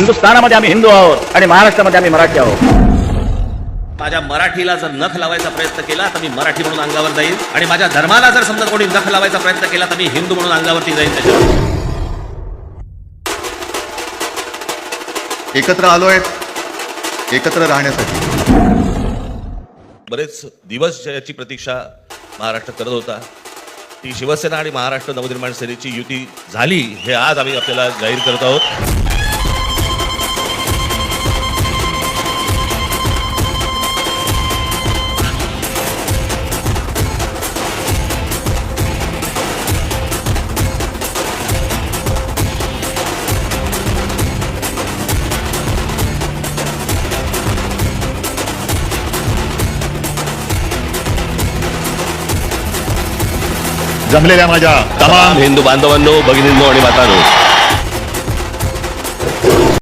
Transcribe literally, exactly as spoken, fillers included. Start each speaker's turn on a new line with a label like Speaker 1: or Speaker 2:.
Speaker 1: हिंदुस्थानामध्ये आम्ही हिंदू आहोत आणि महाराष्ट्रामध्ये आम्ही मराठी आहोत.
Speaker 2: माझ्या मराठीला जर नख लावायचा प्रयत्न केला तर मी मराठी म्हणून अंगावर जाईल, आणि माझ्या धर्माला जर समजा कोणी नख लावायचा प्रयत्न केला तर मी हिंदू म्हणून अंगावरती जाईल. त्याच्यावर
Speaker 3: एकत्र आलोय एकत्र राहण्यासाठी.
Speaker 4: बरेच दिवस याची प्रतीक्षा महाराष्ट्र करत होता. ती शिवसेना आणि महाराष्ट्र नवनिर्माण सेनेची युती झाली हे आज आम्ही आपल्याला जाहीर करत आहोत.
Speaker 3: जमलेल्या माझ्या तमाम
Speaker 4: हिंदू बांधवांनो, भगिनींनो आणि मातांनो,